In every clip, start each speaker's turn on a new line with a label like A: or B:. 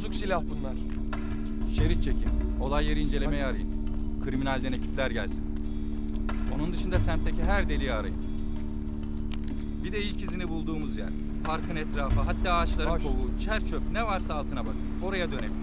A: Bozuk silah bunlar.
B: Şerit çekin. Olay yeri incelemeye arayın. Kriminalden ekipler gelsin. Onun dışında semtteki her deliği arayın. Bir de ilk izini bulduğumuz yer. Parkın etrafı, hatta ağaçların
A: Baş.
B: kovuğu, çer çöp ne varsa altına bakın. Oraya dönelim.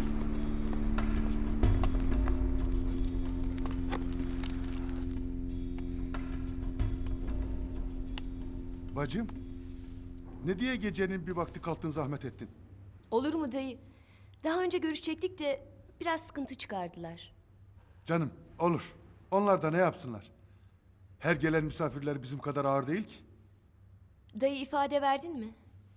C: Bacım, ne diye gecenin bir vakti kalktın zahmet ettin?
D: Olur mu dayı? Daha önce görüşecektik de biraz sıkıntı çıkardılar.
C: Canım, olur. Onlar da ne yapsınlar? Her gelen misafirler bizim kadar ağır değil ki.
D: Dayı ifade verdin mi?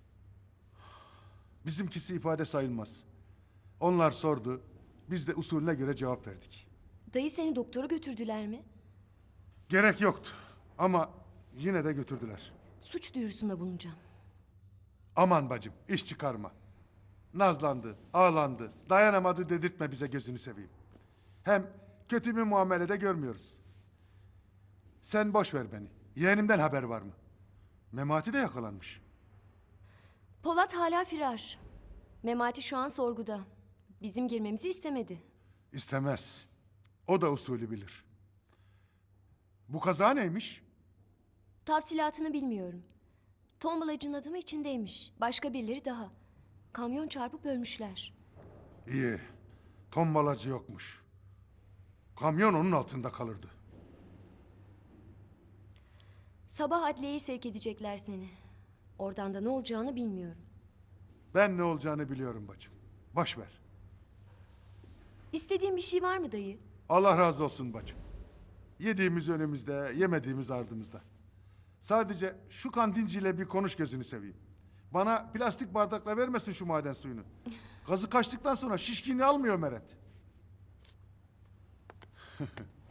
C: Bizimkisi ifade sayılmaz. Onlar sordu, biz de usulüne göre cevap verdik.
D: Dayı seni doktora götürdüler mi?
C: Gerek yoktu ama yine de götürdüler.
D: Suç duyurusunda bulunacağım.
C: Aman bacım, iş çıkarma. Nazlandı, ağlandı, dayanamadı dedirtme bize gözünü seveyim. Hem kötü bir muamelede görmüyoruz. Sen boş ver beni. Yeğenimden haber var mı? Memati de yakalanmış.
D: Polat hala firar. Memati şu an sorguda. Bizim girmemizi istemedi.
C: İstemez. O da usulü bilir. Bu kaza neymiş?
D: Tafsilatını bilmiyorum. Tombalacının adamı içindeymiş. Başka birileri daha. Kamyon çarpıp ölmüşler.
C: İyi. Tombalacı yokmuş. Kamyon onun altında kalırdı.
D: Sabah adliyeye sevk edecekler seni. Oradan da ne olacağını bilmiyorum.
C: Ben ne olacağını biliyorum bacım. Boş ver.
D: İstediğin bir şey var mı dayı?
C: Allah razı olsun bacım. Yediğimiz önümüzde, yemediğimiz ardımızda. Sadece şu kantinciyle bir konuş gözünü seveyim. Bana plastik bardakla vermesin şu maden suyunu. Gazı kaçtıktan sonra şişkinliği almıyor Meret.